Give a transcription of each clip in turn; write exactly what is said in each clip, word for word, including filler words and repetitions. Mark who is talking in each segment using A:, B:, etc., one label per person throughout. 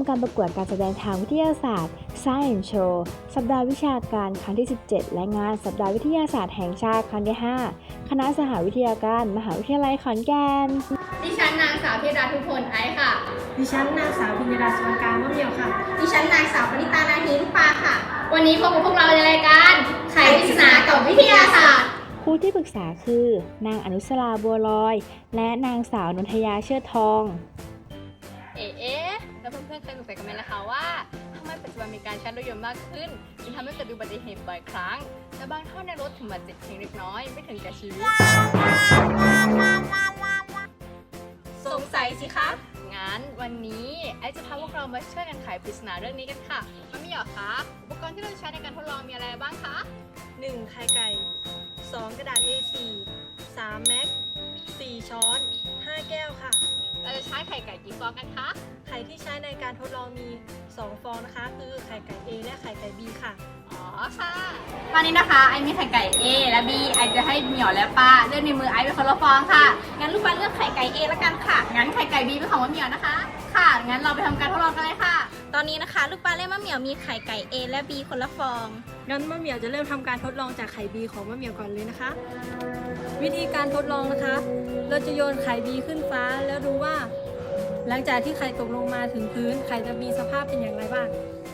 A: การประกวดการแสดงทางวิทยาศาสตร์ Science Show สัปดาห์วิชาการครั้งที่ สิบเจ็ด และงานสัปดาห์วิทยาศาสตร์แห่งชาติครั้งที่ ห้า คณะสหวิทยาการมหาวิทยาลัยขอนแก่น
B: ดิฉันนางสาวธีราทุพลไอซ์ค่ะ
C: ดิฉันนางสาวพิญญาดาสวนการมะเหมี่ยวค่ะ
B: ดิฉันนางสาวปณิตานาฮีลูกปลาค่ะ วันนี้พบกับพวกเราในรายการไขปริศนากับวิทยาศาสตร์
A: ครูที่ปรึกษาคือ นางอนุสราบัวลอย และนางสาวนนทยาเชิดทอง
B: เอ๊ะแล้วเพื่อนๆเคยสงสัยกันไหมล่ะคะว่าทำไมปัจจุบันมีการใช้รถยนต์มากขึ้นจึงทำให้เกิดอุบัติเหตุบ่อยครั้งและบางท่านในรถถึงบาดเจ็บเพียงเล็กน้อยไม่ถึงแก่ชีวิต สงสัยสิคะงั้นวันนี้ไอซ์จะพาพวกเรามาช่วยกันไขปริศนาเรื่องนี้กันค่ะมันมีเหรอคะอุปกรณ์ที่เราใช้ในการทดลองมีอะไรบ้างคะ
C: หนึ่ง ไข่ไก่ สอง กระดาษ เอ สี่ สาม แม็ก สี่ ช้อน ห้า แก้วค่ะ
B: เราจะใช้ไข่ไก่กี่ฟองกันคะ
C: ไข่ที่ใช้ในการทดลองมี สอง ฟองนะคะ คือไข่ไก่ A และไข่ไก่ B ค่ะ
B: อ๋อค่ะตอนนี้นะคะไอมีไข่ไก่ A และ B ไอจะให้เหมียวและป้าเลือกในมือไอเป็นคนละฟองค่ะงั้นลูกป้าเลือกไข่ไก่ A แล้วกันค่ะงั้นไข่ไก่ B เป็นของมะเหมียวนะคะค่ะงั้นเราไปทำการทดลองกันเลยค่ะตอนนี้นะคะลูกป้าเล่มมะเหมียวมีไข่ไก่ A และ B คนละฟอง
C: งั้นมะเหมี่ยวจะเริ่มทำการทดลองจากไข่ B ของมะเหมี่ยวก่อนเลยนะคะ วิธีการทดลองนะคะ เราจะโยนไข่ B ขึ้นฟ้าแล้วดูว่า หลังจากที่ไข่ตกลงมาถึงพื้นไข่จะมีสภาพเป็นอย่างไรบ้าง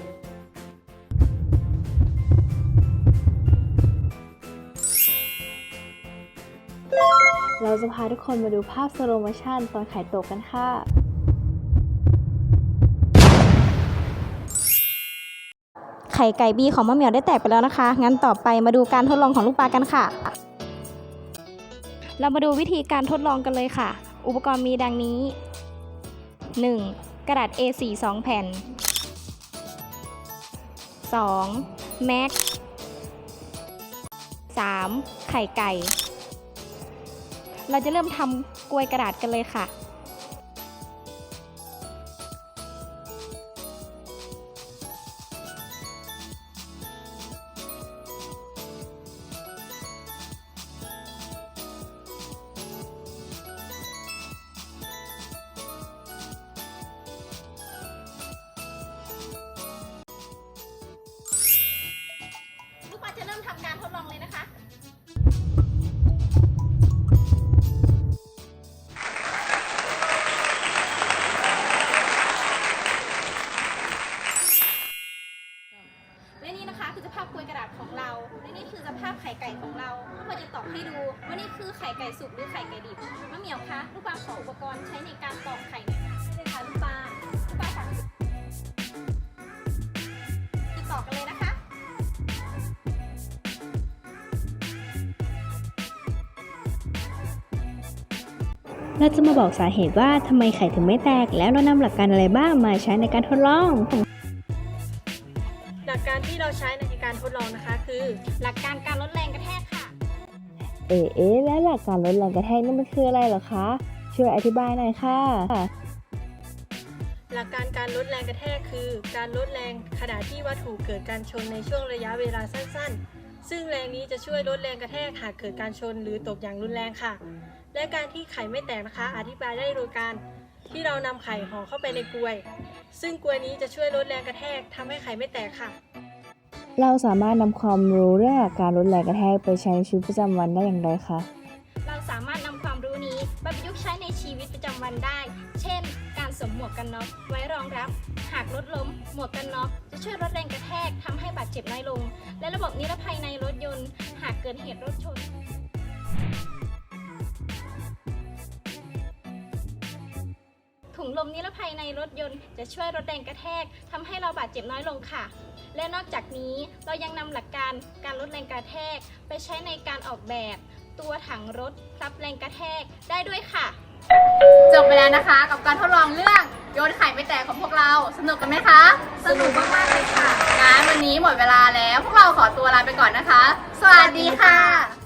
A: เราจะพาทุกคนมาดูภาพสโลโมชั่นตอนไข่ตกกันค่ะ
D: ไข่ไก่บีของมะเหมียวได้แตกไปแล้วนะคะ งั้นต่อไปมาดูการทดลองของลูกปลากันค่ะ เรามาดูวิธีการทดลองกันเลยค่ะ อุปกรณ์มีดังนี้ หนึ่ง กระดาษ เอ สี่ สอง แผ่น สอง แม็ก สาม ไข่ไก่ เราจะเริ่มทำกลวยกระดาษกันเลยค่ะ
B: ลูกป้าจะเริ่มทำการทดลองเลยนะคะ และนี่นะคะคือสภาพกลวยกระดาษของเรา และนี่คือสภาพไข่ไก่ของเราเราจะตอกให้ดูว่านี่คือไข่ไก่สุกหรือไข่ไก่ดิบมะเหมียวคะลูกปลาขออุปกรณ์ใช้ในการตอกไข่หน่อยค่ะได้เลยค่ะลูกปลาลูกปลาค่ะจะตอกกันเลยนะคะ
A: เราจะมาบอกสาเหตุว่าทำไมไข่ถึงไม่แตก แล้วเรานำหลักการอะไรบ้างมาใช้ในการทดลอง
C: หลักการที่เราใช้ในการทดลองนะคะ คือ
B: หลักการการลดแรงกระแทกค่ะ
A: เอ๊ะเอ๊ะและหลักการลดแรงกระแทกนี่มันคืออะไรเหรอคะ ช่วยอธิบายหน่อยค่ะ
C: หลักการการลดแรงกระแทกคือ การลดแรงขณะที่วัตถุเกิดการชนในช่วงระยะเวลาสั้นๆ ซึ่งแรงนี้จะช่วยลดแรงกระแทกหากเกิดการชนหรือตกอย่างรุนแรงค่ะ และการที่ไข่ไม่แตกนะคะ อธิบายได้โดยการที่เรานำไข่ห่อเข้าไปในกลวย ซึ่งกลวยนี้จะช่วยลดแรงกระแทกทำให้ไข่ไม่แตกค่ะ
A: เราสามารถนำความรู้เรื่องหลักการลดแรงกระแทกไปใช้ในชีวิตประจำวันได้อย่างไรคะ
B: เราสามารถนำความรู้นี้มาประยุกต์ใช้ในชีวิตประจำวันได้ เช่น การสวมหมวกกันน็อกไว้รองรับ หากรถล้ม หมวกกันน็อกจะช่วยลดแรงกระแทกทำให้บาดเจ็บน้อยลง และระบบนิรภัยในรถยนต์ หากเกิดเหตุรถชน ถุงลมนิรภัยในรถยนต์จะช่วยลดแรงกระแทกทำให้เราบาดเจ็บน้อยลงค่ะ และนอกจากนี้เรายังนำหลักการการลดแรงกระแทกไปใช้ในการออกแบบตัวถังรถรับแรงกระแทกได้ด้วยค่ะ จบไปแล้วนะคะกับการทดลองเรื่องโยนไข่ไม่แตกของพวกเราสนุกกันไหมคะสนุกมากๆเลยค่ะงั้นวันนี้หมดเวลาแล้วพวกเราขอตัวลาไปก่อนนะคะ สวัสดีค่ะ